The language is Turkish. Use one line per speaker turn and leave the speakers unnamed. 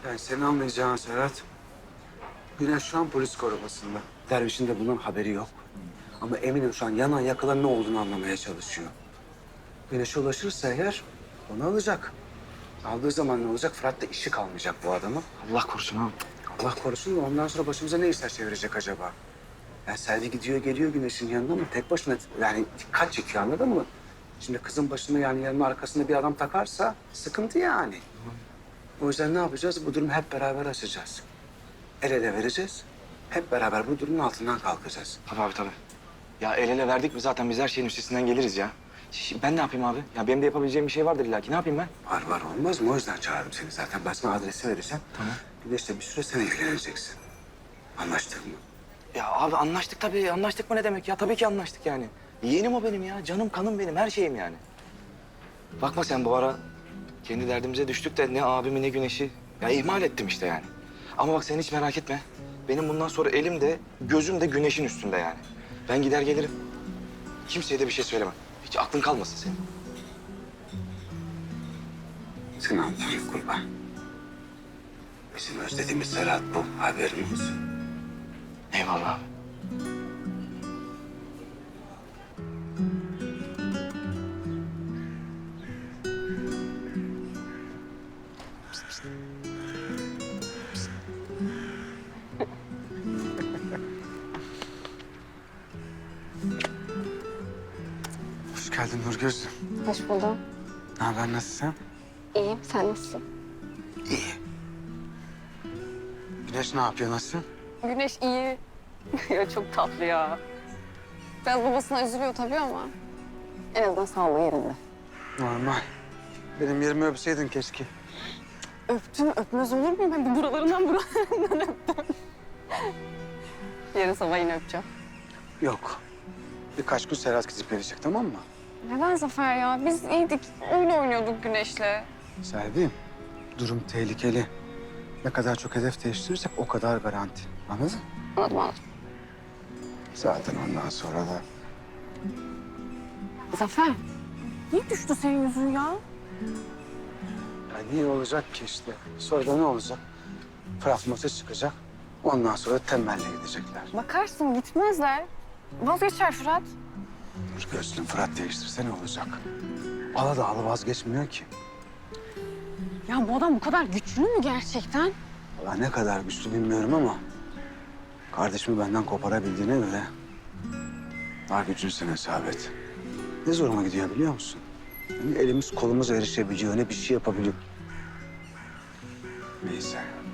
Yani senin anlayacağın Serhat, Güneş şu an polis korumasında. Derviş'in de bundan haberi yok. Ama eminim şu an yanan yakılan ne olduğunu anlamaya çalışıyor. Güneş'e ulaşırsa eğer onu alacak. Aldığı zaman ne olacak? Fırat da işi kalmayacak bu adamın.
Allah korusun abi.
Allah korusun da ondan sonra başımıza ne işler çevirecek acaba? Yani Selvi gidiyor geliyor Güneş'in yanına ama tek başına yani dikkat çekiyor, anladın mı? Şimdi kızın başına yani yanının arkasında bir adam takarsa sıkıntı yani. O yüzden ne yapacağız? Bu durumu hep beraber açacağız. El ele vereceğiz. Hep beraber bu durumun altından kalkacağız.
Tabii abi tabii. Ya el ele verdik mi zaten biz her şeyin üstesinden geliriz ya. Ben ne yapayım abi? Ya benim de yapabileceğim bir şey vardır illa ki. Ne yapayım ben?
Var olmaz mı? O yüzden çağırdım seni zaten. Ben sana adresi vereceğim.
Tamam.
Güneş'le bir süre sen ilgileneceksin. Anlaştık mı?
Ya abi anlaştık tabii. Anlaştık mı ne demek ya? Tabii ki anlaştık yani. Yeğenim o benim ya. Canım kanım benim. Her şeyim yani. Bakma sen bu ara kendi derdimize düştük de ne abimi ne güneşi. Ya ihmal ettim işte yani. Ama bak sen hiç merak etme. Benim bundan sonra elim de gözüm de güneşin üstünde yani. Ben gider gelirim. Kimseye de bir şey söylemem. Hiç aklın kalmasın senin.
Sen Allah'ın kurban. Bizim özlediğimiz Serhat bu. Haberin olsun.
Eyvallah abi.
Hoş geldin Nurgöz'üm.
Hoş buldum.
Ne haber, nasılsın?
İyiyim. Sen nasılsın?
İyi. Güneş ne yapıyor, nasıl?
Güneş iyi. Ya çok tatlı ya. Biraz babasına üzülüyor tabii ama en azından sağlığı yerinde.
Normal. Benim yerimi öpseydin keşke.
Öptüm. Öpmez olur muyum? Ben de buralarından öptüm. Yarın sabah yine öpeceğim.
Yok. Birkaç gün Serhat gidip gelecek, tamam mı?
Neden Zafer ya? Biz iyiydik. Oyun oynuyorduk Güneş'le.
Selvi, durum tehlikeli. Ne kadar çok hedef değiştirirsek o kadar garanti. Anladın?
Anladım.
Zaten ondan sonra da...
Zafer, niye düştü senin yüzün ya?
Ya niye olacak ki işte? Sonra da ne olacak? Fırat maça çıkacak. Ondan sonra tembelle gidecekler.
Bakarsın gitmezler. Vazgeçer Fırat.
Dur gözlüm, Fırat değiştirse ne olacak? Ala da alı vazgeçmiyor ki.
Ya bu adam bu kadar güçlü mü gerçekten?
Valla ne kadar güçlü bilmiyorum ama... kardeşimi benden koparabildiğine göre... var gücün sen hesap et. Ne zoruma gidiyor biliyor musun? Yani elimiz kolumuz erişebiliyor, ne bir şey yapabiliyor. Neyse.